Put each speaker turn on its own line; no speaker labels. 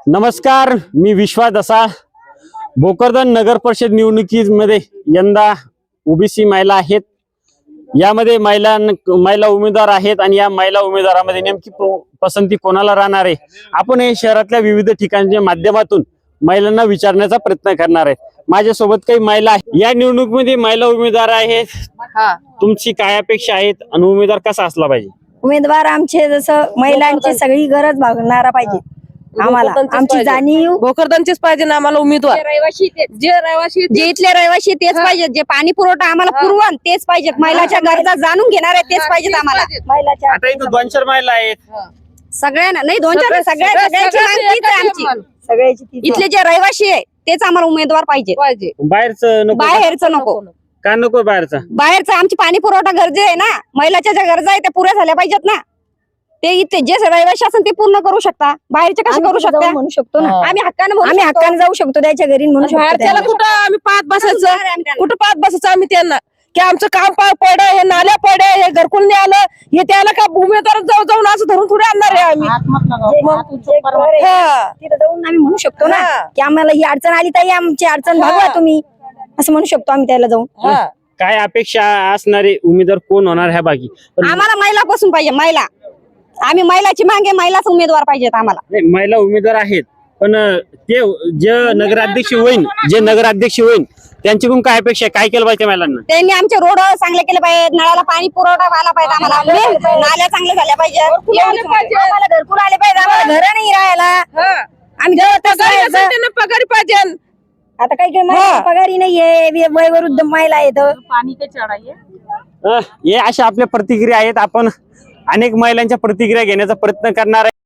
नमस्कार, मी विश्वास दसा। भोकरदन नगर परिषद निवडणुकीमध्ये यंदा ओबीसी महिला आहेत। यामध्ये महिला उमेदवार आहेत आणि या महिला उमेदवारामध्ये नेमकी पसंती कोणाला राहणार आहे, आपण हे शहरातल्या विविध ठिकाणच्या माध्यमातून महिलांना विचारण्याचा प्रयत्न करणार आहे। माझ्यासोबत काही महिला आहेत। या निवडणुकीमध्ये महिला उमेदवार आहेत। तुमची काय अपेक्षा आहेत आणि उमेदवार कसा असला पाहिजे?
उमेदवार आमचे जसं महिलांची सगळी गरज भागणारा पाहिजे। आम्हाला आमची जाणीव
भोकरदनचेच पाहिजे ना आम्हाला उमेदवार।
जे इथले रहिवासी तेच पाहिजे, जे पाणी पुरवठा आम्हाला पुरवण तेच पाहिजे, महिलाच्या गरजा जाणून घेणारे तेच पाहिजेत आम्हाला। महिलाच्या
आता इथं 2-4 महिला आहेत।
सगळ्यांना नाही, 2-4 सगळ्याची मागणी आहे आमची। सगळ्याची इथले जे रहिवासी आहे तेच आम्हाला उमेदवार पाहिजे।
बाहेरचं नको?
बाहेरचं नको।
का नको बाहेरचं?
बाहेरचं आमची पाणी पुरवठा गरजे आहे ना, महिलाच्या ज्या गरजा आहेत त्या पुऱ्या झाल्या पाहिजेत ना। ते इथे जे रहिवासी असेल ते पूर्ण करू शकता, बाहेरचे कसे करू शकता? म्हणू शकतो ना आम्ही हक्काने जाऊ शकतो त्याच्या घरी म्हणू शकतो।
बाहेरच्याला कुठं आम्ही पाहत बसायचं, कुठं पाहत बसायचं आम्ही त्यांना की आमचं काम पड, हे नाल्या पड, हे घरकुल नाही आलं, हे त्याला का उमेदवार जाऊन असं धरून थोडे आणणार आहे आम्ही।
तिथे जाऊन आम्ही म्हणू शकतो ना की आम्हाला ही अडचण आली, ताई आमची अडचण भागवा तुम्ही, असं म्हणू शकतो आम्ही त्याला जाऊन।
काय अपेक्षा असणारे उमेदवार कोण होणार ह्या बाकी?
आम्हाला महिलापासून पाहिजे, महिला। आम्ही महिलाची मागे महिलाच उमेदवार पाहिजेत आम्हाला।
महिला उमेदवार आहेत, पण ते जे नगराध्यक्ष होईल त्यांच्याकडून काय अपेक्षा, काय केलं पाहिजे महिलांना?
त्यांनी आमचे रोड चांगले केले पाहिजे, नळाला पाणी पुरवठा व्हायला पाहिजे आम्हाला, नाल्या चांगल्या झाल्या पाहिजेत, आम्हाला घरकुल आले पाहिजे, आम्हाला घर नाही राहायला, आम्ही
पगारी पाहिजे।
आता काही महिला पगारी नाहीये, वयोवृद्ध महिला आहेत।
हे अशा आपल्या प्रतिक्रिया आहेत। आपण अनेक महिलांच्या प्रतिक्रिया घेण्याचा प्रयत्न करणार आहे।